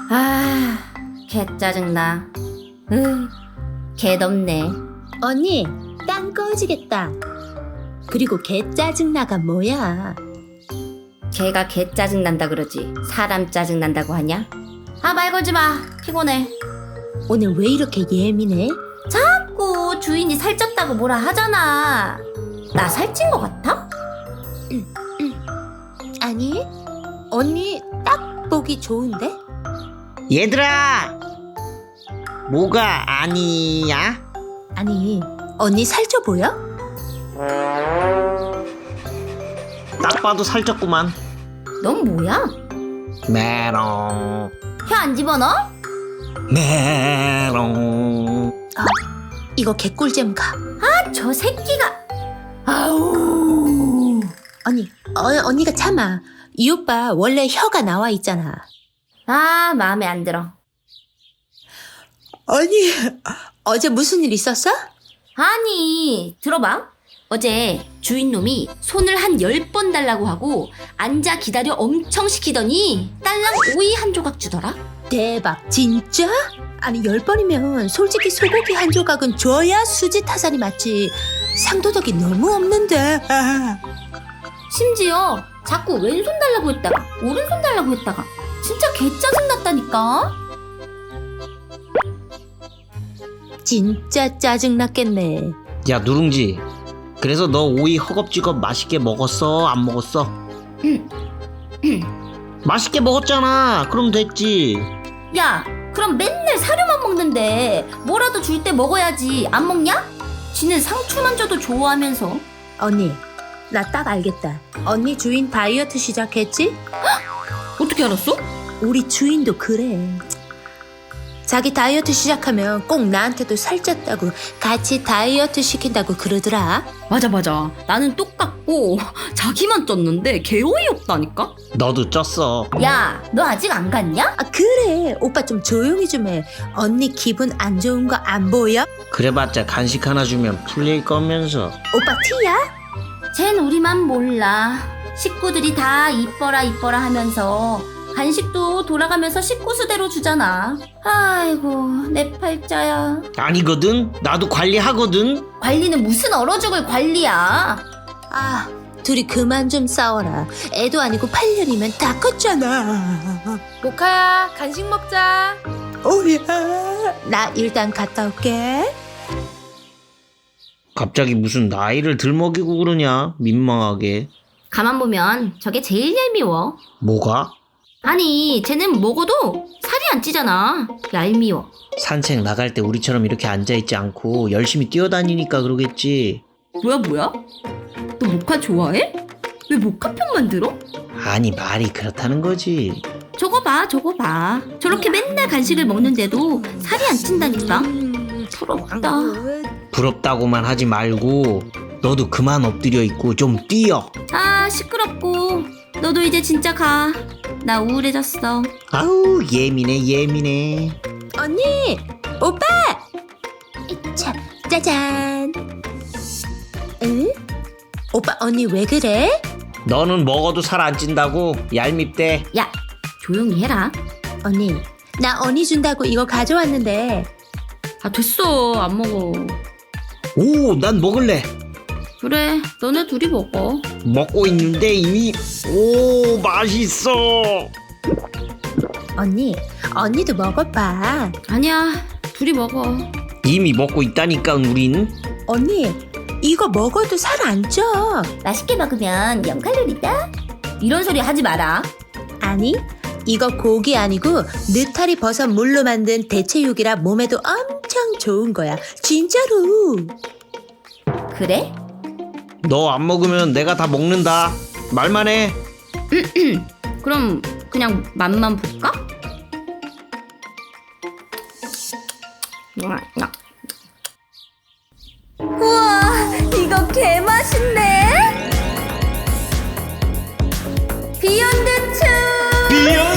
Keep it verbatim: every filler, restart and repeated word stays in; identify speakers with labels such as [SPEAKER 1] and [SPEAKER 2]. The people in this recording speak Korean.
[SPEAKER 1] 아, 개 짜증나. 으, 개 덥네.
[SPEAKER 2] 언니, 땅 꺼지겠다. 그리고 개 짜증나가 뭐야?
[SPEAKER 1] 개가 개 짜증난다 그러지 사람 짜증난다고 하냐? 아, 말 걸지 마. 피곤해.
[SPEAKER 2] 오늘 왜 이렇게 예민해?
[SPEAKER 1] 자꾸 주인이 살쪘다고 뭐라 하잖아. 나 살찐 거 같아?
[SPEAKER 2] 아니, 언니 딱 보기 좋은데?
[SPEAKER 3] 얘들아! 뭐가 아니야?
[SPEAKER 2] 아니, 언니 살쪄 보여?
[SPEAKER 3] 딱 봐도 살쪘구만.
[SPEAKER 1] 넌 뭐야?
[SPEAKER 3] 메롱
[SPEAKER 1] 혀 안 집어넣어?
[SPEAKER 3] 메롱.
[SPEAKER 2] 이거 개꿀잼 가.
[SPEAKER 1] 아, 저 새끼가. 아우.
[SPEAKER 2] 언니, 어, 언니가 참아. 이 오빠 원래 혀가 나와 있잖아.
[SPEAKER 1] 아, 마음에 안 들어.
[SPEAKER 2] 언니, 어제 무슨 일 있었어?
[SPEAKER 1] 아니, 들어봐. 어제 주인놈이 손을 한 열 번 달라고 하고 앉아 기다려 엄청 시키더니 딸랑 오이 한 조각 주더라.
[SPEAKER 2] 대박, 진짜? 아니, 열 번이면 솔직히 소고기 한 조각은 줘야 수지 타산이 맞지. 상도덕이 너무 없는데.
[SPEAKER 1] 심지어 자꾸 왼손 달라고 했다가 오른손 달라고 했다가 진짜 개 짜증났다니까.
[SPEAKER 2] 진짜 짜증났겠네.
[SPEAKER 3] 야 누룽지, 그래서 너 오이 허겁지겁 맛있게 먹었어? 안 먹었어?
[SPEAKER 1] 응.
[SPEAKER 3] 맛있게 먹었잖아. 그럼 됐지.
[SPEAKER 1] 야, 그럼 맨날 사료만 먹는데 뭐라도 줄 때 먹어야지. 안 먹냐? 지는 상추만 줘도 좋아하면서.
[SPEAKER 2] 언니, 나 딱 알겠다. 언니 주인 다이어트 시작했지?
[SPEAKER 1] 어떻게 알았어?
[SPEAKER 2] 우리 주인도 그래. 자기 다이어트 시작하면 꼭 나한테도 살쪘다고 같이 다이어트 시킨다고 그러더라.
[SPEAKER 1] 맞아 맞아. 나는 똑같고 자기만 쪘는데 개 어이없다니까.
[SPEAKER 3] 너도 쪘어.
[SPEAKER 1] 야, 너 아직 안 갔냐?
[SPEAKER 2] 아 그래, 오빠 좀 조용히 좀 해. 언니 기분 안 좋은 거 안 보여?
[SPEAKER 3] 그래봤자 간식 하나 주면 풀릴 거면서.
[SPEAKER 2] 오빠 티야?
[SPEAKER 1] 쟨 우리만 몰라. 식구들이 다 이뻐라 이뻐라 하면서 간식도 돌아가면서 식구 수대로 주잖아. 아이고, 내 팔자야.
[SPEAKER 3] 아니거든. 나도 관리하거든.
[SPEAKER 1] 관리는 무슨 얼어 죽을 관리야.
[SPEAKER 2] 아, 둘이 그만 좀 싸워라. 애도 아니고 팔 년이면 다 컸잖아.
[SPEAKER 4] 모카야, 간식 먹자.
[SPEAKER 2] 오야, 나 일단 갔다 올게.
[SPEAKER 3] 갑자기 무슨 나이를 들먹이고 그러냐. 민망하게.
[SPEAKER 1] 가만 보면 저게 제일 얄미워.
[SPEAKER 3] 뭐가?
[SPEAKER 1] 아니, 쟤는 먹어도 살이 안 찌잖아. 얄미워.
[SPEAKER 3] 산책 나갈 때 우리처럼 이렇게 앉아있지 않고 열심히 뛰어다니니까 그러겠지.
[SPEAKER 1] 뭐야 뭐야? 너 모카 좋아해? 왜 모카 편만 들어?
[SPEAKER 3] 아니 말이 그렇다는 거지.
[SPEAKER 1] 저거 봐, 저거 봐. 저렇게 맨날 간식을 먹는데도 살이 안 찐다니까. 부럽다.
[SPEAKER 3] 부럽다고만 하지 말고 너도 그만 엎드려 있고 좀 뛰어.
[SPEAKER 1] 아, 시끄럽고. 너도 이제 진짜 가. 나 우울해졌어.
[SPEAKER 3] 아우 예민해 예민해.
[SPEAKER 2] 언니, 오빠. 자, 짜잔. 응? 오빠, 언니 왜 그래?
[SPEAKER 3] 너는 먹어도 살 안 찐다고 얄밉대.
[SPEAKER 1] 야, 조용히 해라.
[SPEAKER 2] 언니, 나 언니 준다고 이거 가져왔는데.
[SPEAKER 1] 아, 됐어. 안 먹어.
[SPEAKER 3] 오, 난 먹을래.
[SPEAKER 1] 그래, 너네 둘이 먹어.
[SPEAKER 3] 먹고 있는데 이미. 오, 맛있어.
[SPEAKER 2] 언니, 언니도 먹어봐.
[SPEAKER 1] 아니야, 둘이 먹어.
[SPEAKER 3] 이미 먹고 있다니까 우린.
[SPEAKER 2] 언니, 이거 먹어도 살 안 쪄.
[SPEAKER 1] 맛있게 먹으면 영 칼로리다. 이런 소리 하지 마라.
[SPEAKER 2] 아니, 이거 고기 아니고 느타리 버섯 물로 만든 대체육이라 몸에도 엄청 좋은 거야. 진짜로.
[SPEAKER 1] 그래?
[SPEAKER 3] 너 안 먹으면 내가 다 먹는다. 말만 해.
[SPEAKER 1] 그럼 그냥 맛만 볼까? 우와, 이거 개 맛있네. 비욘드 츄.
[SPEAKER 3] 비욘드